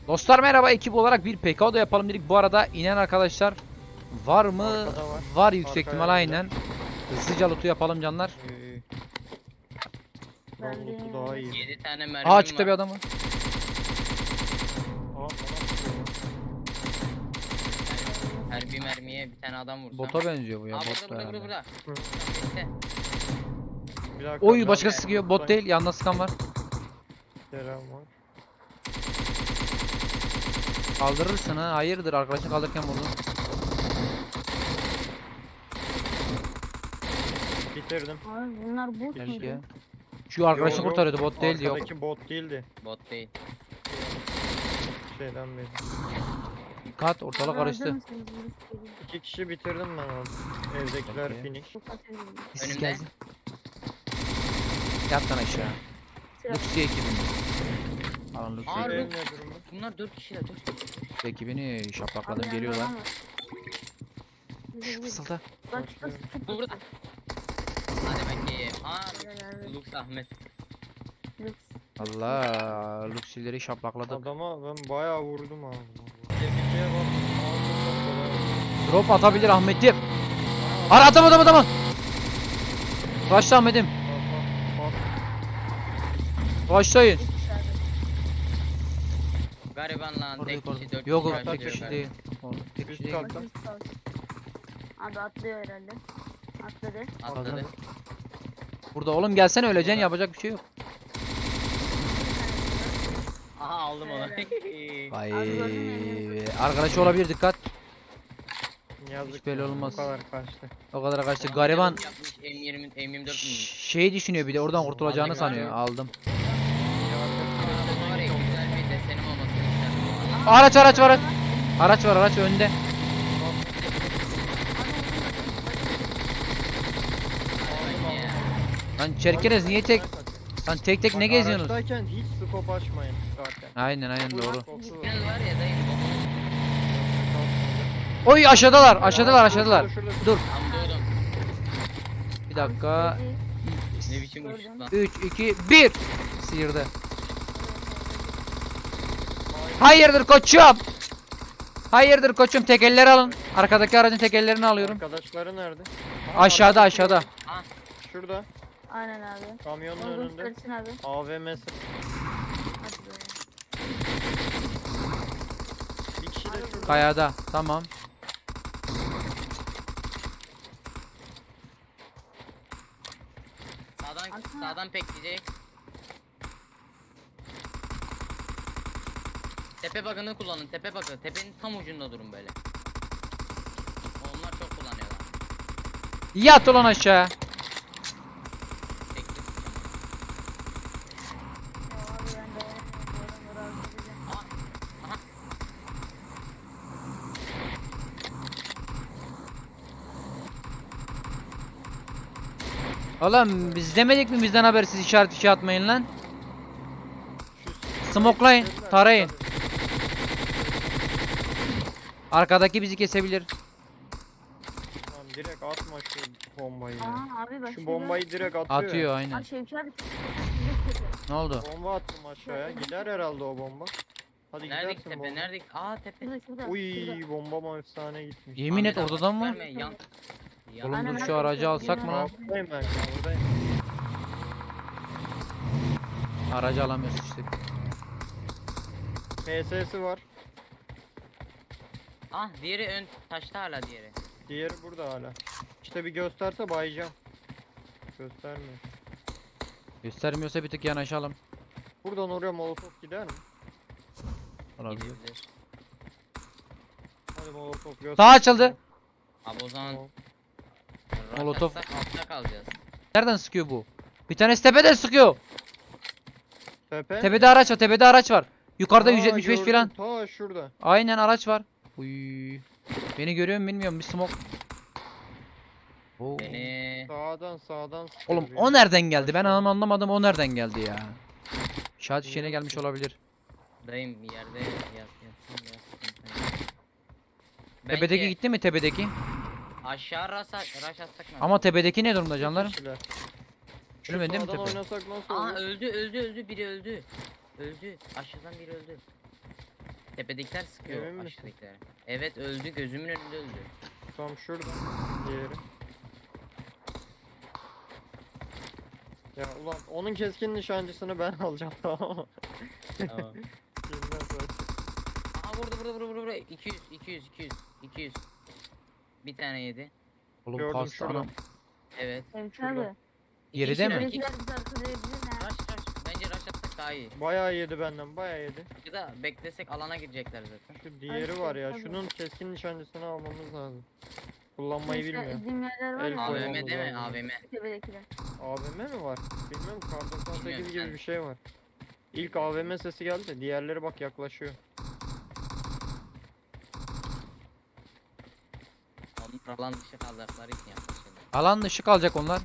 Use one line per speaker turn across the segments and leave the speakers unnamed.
Dostlar merhaba, ekip olarak bir PK da yapalım dedik. Bu arada inen arkadaşlar var mı?
Arkada var.
Var yüksek
Arkaya
ihtimal aynen. Hızlıca loot'u yapalım canlar.
Ben lootu daha iyi.
7 tane mermim
Aa çıktı
var.
bir adamı.
Her bir mermiye bir tane adam vursam.
Bota benziyor bu ya.
Aa
Bot da
burada
herhalde.
burada.
Hı.
Bitti.
Oy başkası sıkıyor. Bot değil. Yanına sıkan var.
Selam var.
Kaldırırsın ha. Hayırdır, arkadaşını kaldırırken vurdun.
Bitirdim.
Abi bunlar bot
Keşke.
muydu?
Şu arkadaşını
Yok,
kurtarıyordu. Bot değildi, yok.
Arkadaki bot değildi.
Bot değil.
Şeyden beri.
Dikkat, ortalık
Abi
karıştı.
öldürün seni, virüs geliyor.
2 kişi bitirdim ben onu. Evdekiler
Okey.
finish.
Çok atıyorum.
Siz
Önümde.
geldin. Yat lan aşağı.
Sıra-
Luxi ekibini. Alın Luxi
Aa,
ekibini.
Ev
Lux.
ne durumda?
Bunlar 4 kişiler 4 kişi.
Luxi ekibini
Abi
şaplakladım,
yanında
geliyorlar.
adam var. Yürü, yürü.
Fısılda.
Bak şurası çok
Burada.
güzel.
Hadi bakayım. Aa
Evet.
Lux Ahmet.
Lüks.
Allah, Luxi'leri şaplakladık.
Adama ben bayağı vurdum abi. Tepkiye bak. Ağzından
Drop atabilir Ahmet'im. Ara adamı. Başla Ahmet'im. Başlayın.
İçeride.
Gariban lan tek kişi 4
Yok
kişi.
yok, tek
yaşıyor
kişi
galiba.
değil. Oğlum, tek kişi
Üst
değil.
kat.
Bak, üst kaldı. Abi atlıyor herhalde. Atladı.
Atladı.
Burada oğlum, gelsene, öleceksin, yapacak bir şey yok.
Aha aldım onu.
Vay,
Abi gördün mü?
arkadaşı olabilir, dikkat.
Yazık.
Hiç belli
ya,
olmaz.
Bu kadar kaçtı.
O kadar kaçtı. Gariban
Yapmış M20 M24 mü?
şey düşünüyor, bir de oradan kurtulacağını
Aldık
sanıyor.
abi.
Aldım.
Arabada var ya güzel bir desenim olmasını isterdim.
Araç var. Araç önde. Lan Çerkeniz niye tek? Lan tek ne geziyorsunuz?
Araçtayken hiç scope açmayın zaten.
Aynen doğru.
Scope'u var.
Tünel var ya dayım.
Oy aşağıdalar.
Şurada.
Dur
Tam doğdum.
bir dakika.
Ne biçim uçtuk lan.
3 2 1 sıyırdı. Hayırdır koçum, tekerleri alın. Arkadaki aracın tekerlerini alıyorum.
Arkadaşları nerede?
Aşağıda.
Ah
Şurada.
Aynen abi.
Kamyonun
Onu
önünde.
göstersin abi.
AVM'si.
Hadi be.
Bir kişi de şurada.
Kayada. Tamam.
sağdan pekleyecek. Tepe bug'ını kullanın. Tepe bug'ı. Tepenin tam ucunda durun böyle. Onlar çok kullanıyorlar.
Yat ulan aşağı.
Tekli sıçan.
Ya abi ben de oradan razı edeceğim.
Aha.
Oğlum biz demedik mi bizden habersiz işaret atmayın lan. Smoklayın, tarayın. Arkadaki bizi kesebilir.
Tamam, direkt atma şu bombayı. ya.
Aa abi bak.
Şu bombayı direkt atıyor.
Atıyor
ya.
aynen.
Abi Şevki abi.
Ne oldu?
Bomba attım aşağıya. Gider herhalde o bomba. Hadi
Neredeki
gidersin
tepe?
bomba.
Neredeki? Aa tepe.
Şurada şurada.
Uy bombam efsane gitmiş.
Yemin et,
Ahmet abi,
orada mı?
verme, Yan.
Oğlum
Aynen,
dur, şu
aynen.
aracı alsak mı lan?
Buradayım ben şu an, buradayım.
Aracı alamıyoruz işte.
PS'si var.
Ah diğeri ön taşta hala diğeri.
Diğeri burada hala. İşte bir gösterse bayacağım. Göstermiyor.
Göstermiyorsa bir tık yanaşalım.
Buradan oraya molotof gider mi?
Olabilir.
Gidebilir.
Hadi molotof göster.
Sağ açıldı.
Abi o zaman
Tamam.
Molotof.
rush atsak altta kalacağız.
Nereden sıkıyor bu? Bir tanesi tepeden sıkıyor.
Tepe.
Tepede araç var. Yukarıda
Aa,
175
gördüm.
falan.
Ta şurada.
Aynen araç var. Uy. Beni görüyor mu bilmiyorum, bir smoke. Oo.
Beni
Sağdan sıkıyor
Oğlum
biri.
o nereden geldi? Ben anlamadım, o nereden geldi ya. İnşaat işine gelmiş olabilir.
dayım bir yerde yatsın.
Tepedeki gitti mi, tepedeki?
Aşağı rush atsak mı?
Ama tepedeki ne durumda canlarım?
Kişiler. Şu
Ölmedi mi
sağdan
tepe?
oynasak nasıl
Aa
olur?
öldü biri öldü. Öldü. Aşağıdan biri öldü. Tepedekiler sıkıyor
Emin misin?
aşağıdakiler. Evet öldü, gözümün önünde öldü.
Tam şurada. Diğeri. Ya ulan onun keskin nişancısını ben alacağım tamam mı?
Tamam.
Yeniden sonra.
Aha burada 200. Bir tane yedi.
Oğlum
Gördüm
kastı
şurada.
anam.
Evet.
Emre
Şurada.
abi.
Geride mi?
Tepedekiler bizi arkalayabilir ha.
Rush. Bence rush atsak daha iyi.
Bayağı yedi benden bayağı yedi.
Ya da beklesek alana girecekler zaten.
Şu diğeri var ya
tabii.
şunun keskin nişancısını almamız lazım. Kullanmayı
Mesela
bilmiyor.
izin yerler var
El
ya.
koyalım.
AVM değil mi?
lazım.
AVM.
Tepedekiler.
AVM mi var? Bilmiyorum kar 98
Bilmiyorum,
gibi
ben-
bir şey var. İlk AVM sesi geldi de diğerleri bak yaklaşıyor.
Onlar alan dışı kalacakları için yaklaşıyorlar.
Alan dışı kalacak onlar.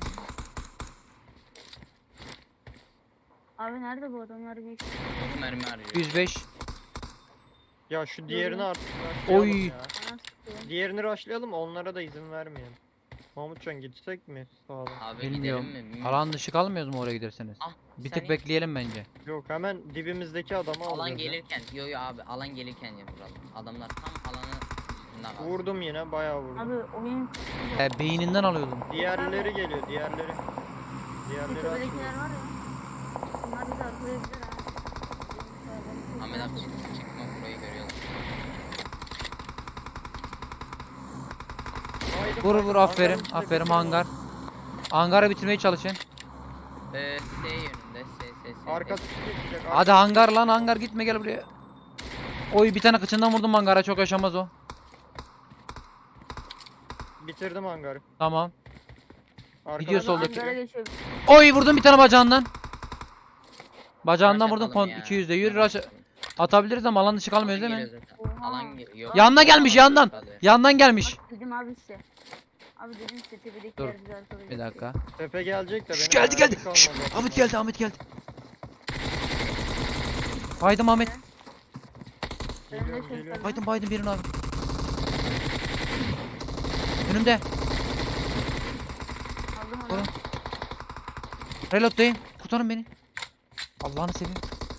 Abi nerede bu adamlar bir
Çok mermi arıyor.
105.
Ya şu diğerini
Görüyorum.
artık rushlayalım
Oy.
ya.
bana sıkıyor.
Diğerini rushlayalım onlara da izin vermeyelim. Mahmutcan gitsek mi sağdan?
Abi
Bilmiyorum.
gidelim mi? Bilmiyorum.
Alan dışı kalmıyoruz mu oraya giderseniz?
Ah,
Bir
sen
tık bekleyelim bence.
Yok hemen dibimizdeki adamı
Alan
alacağız ya.
gelirken, yo abi alan gelirken ya vuralım. Adamlar tam alanı dışında kalsın.
Vurdum yine bayağı vurdum.
Abi oyun
Beyninden alıyordum.
Diğerleri geliyor diğerleri. Diğerleri açılıyor.
tepedekiler var ya. Bunlar bizi arkalayabilir ha.
Ahmet abi çıkma burayı görüyorlar.
Haydi,
Vur
haydi,
vur aferin.
hangarın içinde
Aferin
bitirin
hangar. Hangarı bitirmeye çalışın.
S yönünde, S.
Arkası geçecek.
Hadi hangar lan hangar gitme gel buraya. Oy bir tane kıçından vurdum hangara çok yaşamaz o.
Bitirdim hangarı.
Tamam.
Arkadan
Gidiyor
da
soldaki.
geçiyor.
Hangara geçiyor.
Oy vurdum bir tane bacağından. Bacağından
Rush
vurdum
atalım ya.
200'de yürü rush atabiliriz ama alan dışı kalmıyoruz
Alan
değil mi?
geliyor zaten.
Oha.
Alan geliyor.
Yanına gelmiş, yandan. Yandan gelmiş.
Bak dedim abi size. Abi dedim size tepedekiler
Dur,
bizi arkalayacak.
Bir dakika.
Tepe gelecek de
Şş,
benim
geldi
mermim
geldi. Şş,
kalmadı.
Ahmet geldi Ahmet geldi. Baydım Ahmet.
Geliyorum, geliyorum.
Baydım birini abi. Önümde.
Aldım onu.
Vurun. Reload'dayım. Kurtarın beni. Allah'ını seveyim.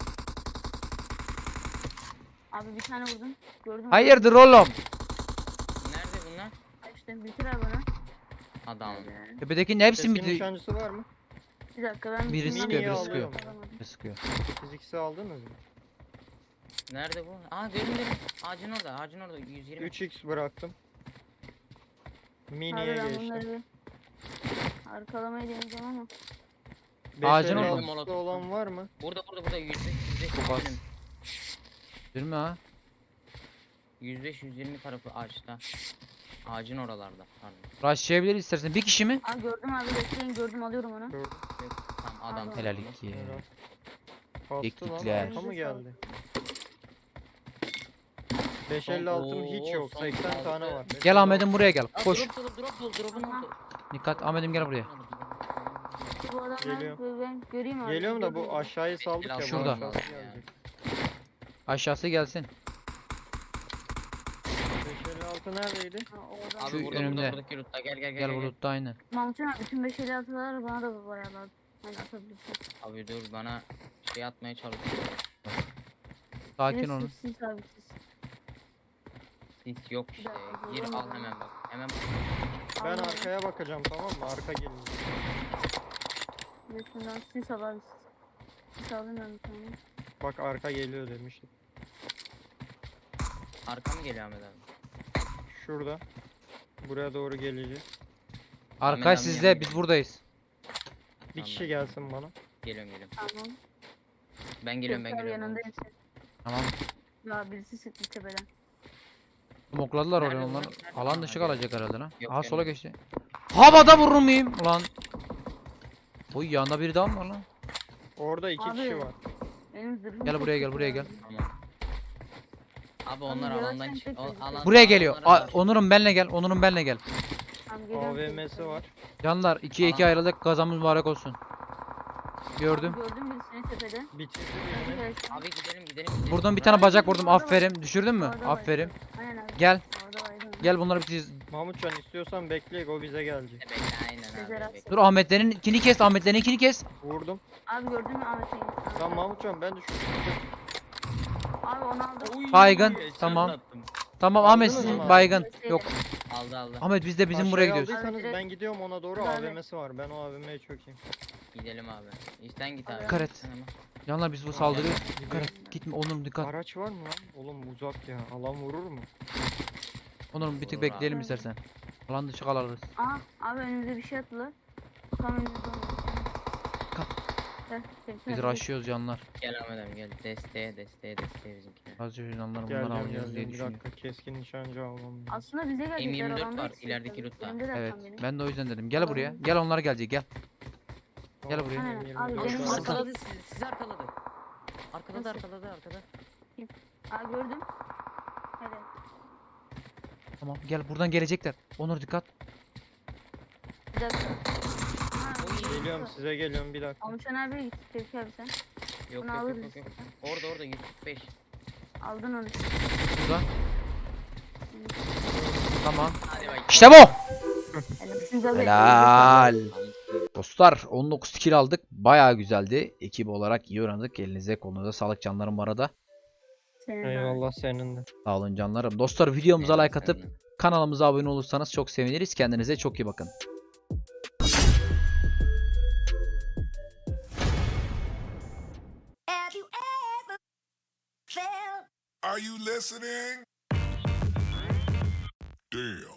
Abi bir tane vurdum. Gördün mü?
Hayırdır oğlum?
Nerede bunlar?
İşte bitir abi onu.
Adam.
Tepedekinin hepsi
Keskin
mi?
nişancısı var mı?
Bir dakika ben
Biri
bitirmem
sıkıyor,
biri
lazım.
sıkıyor.
Alamadım.
Sıkıyor.
Siz ikisi aldınız mı?
Nerede bu? Aa gördüm. Ağacın orada 120.
3x bıraktım.
Abi
Mini'ye
ben
geçtim.
bunları bir arkalamayı deneyeceğim ama.
Ağacın
556'sı
orada.
olan var mı?
Burada 105
Çok az.
120.
Değil mi ha?
105-120 tarafı ağaçta. Ağacın oralarda. Pardon.
Rushlayabiliriz istersen. Bir kişi mi?
Aa gördüm abi bekleyin gördüm alıyorum onu.
Gördüm.
Tamam adam.
Helal
Helal
tarafında.
iki.
Helal. Kastı lan
Teknikler.
arka mı geldi? 556'm hiç yok.
son
80
altı.
tane var.
Gel Ahmet'im buraya gel.
Aa,
Koş.
Drop'un oldu.
Dikkat Ahmet'im gel buraya.
Bu adamlar
Geliyorum.
ben göreyim abi.
Geliyorum da bu
Gördüm.
aşağıyı saldık ya. bu
Şurada.
aşağısı gelecek.
Aşağısı gelsin.
556 neredeydi?
Ha, o adam.
Şu
Abi burada
önümde.
buradaki lootta gel.
Gel bulutta aynı.
Mahmutcan abi bütün 556'lar bana da bayağı lazım. Hani atabilirsin.
Abi dur bana şey atmaya çalışıyor.
Sakin
Birisi
olun.
Siz abi siz.
Sis yok işte.
dakika,
Gir al
bulamadım.
hemen bak. Hemen bak.
Ben
Aldım.
arkaya bakacağım tamam mı? Arka gelin.
Bir de şundan siz al abi siz. Siz alın ben bir tane.
Bak arka geliyor demiştim.
Arka mı geliyor Ahmet abi?
Şurada. Buraya doğru gelecek.
Arkadaş
Ahmet abi
sizde
yanına
biz
gel.
buradayız.
Bir
Tamam.
kişi gelsin bana.
Geliyorum.
Tamam.
Ben geliyorum
Göster
geliyorum.
yanındayım sen.
Tamam.
Ya birisi sıktı tepeden.
Smokladılar oraya
Nerede
onlar.
bunlar? Nerede?
Alan
Ha,
dışı
gel.
kalacak herhalde lan.
Yok,
Aha sola
gelmedi.
geçti. Havada vurur muyum? Ulan. Oy yanında biri daha mı var lan?
Orada iki
Abi.
kişi var.
Benim zırhım
Gel
çok
buraya gel,
kötü
buraya
ya.
gel.
Tamam. Abi onlar
yavaş
alandan
sen
çık.
tek tek.
Buraya geliyor.
alanlara bak.
Onur'um benle gel. Onur'um benle gel.
Tamam, geliyorum.
AVM'si var.
Canlar 2'ye 2
Alan-
ayrıldık. Kazamız mübarek olsun. Gördüm.
Gördüm birisini tepede.
Bitirdi
Hadi
birini.
gelsin.
Abi gidelim.
Vurdum bir tane bacak vurdum. Aferin. Düşürdün mü?
Orada var.
Aferin.
Aynen abi.
Gel.
Orada vardı.
Gel bunları bitireceğiz.
Mahmutcan istiyorsan bekleyek o bize gelecek.
Bekle aynen
Sezer
abi.
Aksu.
bekle.
Dur Ahmetlerin ikini kes. Ahmetlerin ikini kes.
Vurdum.
Abi gördün mü Ahmet'in?
Tamam Mahmutcan ben düşürdüm.
Abi onu aldım.
Oy,
Baygın,
headshot
tamam.
attım.
Tamam Ahmet
Aldınız
sizin
mı?
baygın. Yok.
Aldı aldı.
Ahmet biz de bizim buraya
Aşağıya
gidiyoruz.
aldıysanız
Abi,
ben gidiyorum ona doğru.
Abi.
AVM'si var. Ben o AVM'ye çökeyim.
Gidelim abi. İşten git abi.
Dikkat et.
Sen ama.
Canlar biz bu saldırıyor.
Gidiyorum.
Dikkat et. Gitme Onur'um dikkat.
Araç var mı lan? Oğlum uzak ya. Alan vurur mu?
Onur'um bir tık
Olur
bekleyelim
abi.
istersen. Alan dışı kalırız.
Aha abi önümüzde bir şey attılar. Tam önümüzde
Kalk. Biz
Biz
rushlıyoruz canlar.
Gel Ahmet abi gel. Desteğe bizimkiler.
Azıcık canlar bunları
Geldim
alacağız diye
geldim. Bir
düşünüyorum.
dakika keskin nişancı almam lazım.
Aslında bize gelecekler.
M24
alanda
var,
yetişecekler.
ilerideki lootta.
Önümdeler
Evet.
tam benim.
Ben de o yüzden dedim. Gel buraya.
Tamam.
Gel onlar gelecek gel. Gel
Tamam,
buraya.
Aynen,
benim
abi,
24
benim
var.
arkada-
Arkaladı sizi arkaladı. Arkaladı
Nasıl?
arkada.
Aa gördüm. Hadi.
Tamam gel buradan gelecekler. Onur dikkat.
Bir dakika. Ha,
Oy.
Geliyorum size geliyorum bir dakika.
Amışan abiye git. Tevfik abi sen.
Yok
Bunu
yok
alırız
yok yok.
istersen.
Orada 145.
Aldın onu.
Burada. Tamam.
Hadi bak.
İşte bu.
Helalsiniz abi.
Helal. Dostlar 19 kill aldık. Bayağı güzeldi. Ekip olarak iyi oynadık. Elinize kolunuza sağlık canlarım bu arada.
Senin de.
Eyvallah senin de.
Sağ olun canlarım. Dostlar videomuza like atıp kanalımıza abone olursanız çok seviniriz. Kendinize çok iyi bakın.
Have you ever felt?
Are you listening? Damn.